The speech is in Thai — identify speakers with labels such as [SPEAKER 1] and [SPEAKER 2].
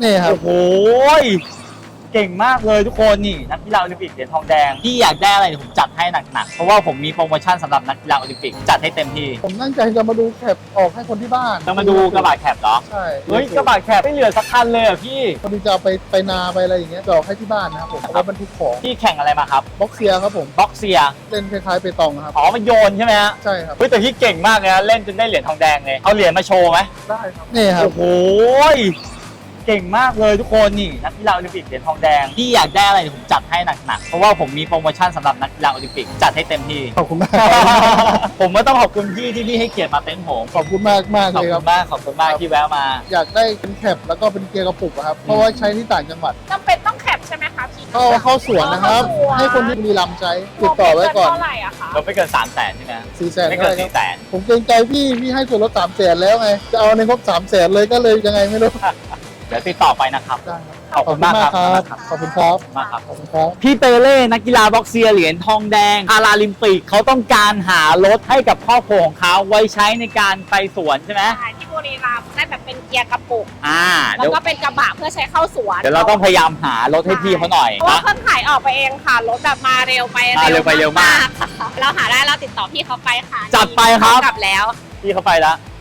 [SPEAKER 1] นี่ครับ
[SPEAKER 2] โอ้โหเก่งมากเลยทุกคนนี่นักกีฬาโอลิมปิกเหรียญทองแดงพี่อยากได้อะไรเดี๋ยวผมจัดให้หนักๆเพราะว่าผมมีโปรโมชั่นสำหรับนักกีฬาโอลิมปิกจัดให้เต็มที่
[SPEAKER 1] ผมตั้งใจจะมาดูแคปออกให้คนที่บ้าน
[SPEAKER 2] จะมาดูกระบะแคปเหรอ
[SPEAKER 1] ใช่
[SPEAKER 2] เฮ้ยกระบะแคปไม่เหลือสักคันเลยอ่ะพี่
[SPEAKER 1] พอดีจะเอาไปนาไปอะไรอย่างเงี้ยจะออกให้ที่บ้านนะครับผมเอาไว้บรรทุกของ
[SPEAKER 2] พี่แข่งอะไรมาครับ
[SPEAKER 1] บ็อกเซียครับผม
[SPEAKER 2] บ็อกเซีย
[SPEAKER 1] เล่นคล้ายๆเปตองครับ
[SPEAKER 2] อ๋อมันโยนใช่ไหมฮะ
[SPEAKER 1] ใช่ครับ
[SPEAKER 2] เฮ้ยแต่พี่เก่งมากเลยนะเล่นจนได้เหรียญทองแดงเลยเอาเหรียญมาโชว์ไหม
[SPEAKER 1] ได้ครับนี่ครับ
[SPEAKER 2] โอ้โหเก่งมากเลยทุกคนนี่นักกีฬาโอลิมปิกเหรียญทองแดงพี่อยากได้อะไรเดี๋ยวผมจัดให้หนักๆเพราะว่าผมมีโปรโมชั่นสำหรับนักกีฬาโอลิมปิกจัดให้เต็มที่
[SPEAKER 1] ขอบคุณมาก
[SPEAKER 2] ผมก็ต้องขอบคุณพี่ที่พี่ให้เกียรติมาเต็นท์ผม
[SPEAKER 1] ขอบคุณมากมาก
[SPEAKER 2] ขอบ
[SPEAKER 1] เลยค
[SPEAKER 2] คุ
[SPEAKER 1] รับ
[SPEAKER 2] ณมากขอบคุณมากที่แวะมา
[SPEAKER 1] อยากได้เป็นแคปแล้วก็เป็นเกียร์กระปุกอะครับเพราะว่าใช้ที่ต่างจังหวัด
[SPEAKER 3] จำเป็นต้องแคปใช่ไหมคะพี่
[SPEAKER 1] เข้าสวนนะครับ
[SPEAKER 3] เข้าสวน
[SPEAKER 1] ให้คนที่บุรีรัมย์ใช้ติดต่อไว้ก่อน
[SPEAKER 3] เท่าไหร่อะคะ
[SPEAKER 2] เราไม่เกิน300,000ใช่ไหม
[SPEAKER 1] 400,000
[SPEAKER 2] ไม่เกิน400,000
[SPEAKER 1] ผมเกรงใจพี่ให้ส่วนลด300,000แล้วไงจะเอาในงบ300,000เลยก็เลยยังไงไม่รู้
[SPEAKER 2] เดี๋ยวติดต่อไปนะครับ
[SPEAKER 1] ได้ครับ
[SPEAKER 2] ขอบคุณมากครับ
[SPEAKER 1] ขอบคุณครับ
[SPEAKER 2] มากครับ
[SPEAKER 1] ขอบคุณครับ
[SPEAKER 2] พี่เปเล่นักกีฬาบ็อกเซียเหรียญทองแดงพาราลิมปิกเขาต้องการหารถให้กับครอบครัวของเขาไว้ใช้ในการไปสวนใช่ไหม
[SPEAKER 3] ใช่ที่บุรีรัมย์ได้แบบเป็นเกียร์กระปุก
[SPEAKER 2] เดี๋ยว
[SPEAKER 3] แล้วก็เป็นกระบะเพื่อใช้เข้าสวน
[SPEAKER 2] เดี๋ยวเราต้องพยายามหารถให้พี่เขาหน่อย
[SPEAKER 3] เพราะว่า
[SPEAKER 2] นะ
[SPEAKER 3] เพิ่งขายออกไปเองค่ะ รถแบบมาเร็วไป
[SPEAKER 2] มาเร็วไปเร็วมาก
[SPEAKER 3] ค่ะเราหาได้เราติดต่อพี่เขาไปค่ะ
[SPEAKER 2] จัดไปครับ
[SPEAKER 3] กลับแล้ว
[SPEAKER 2] พี่เขาไปแล้ว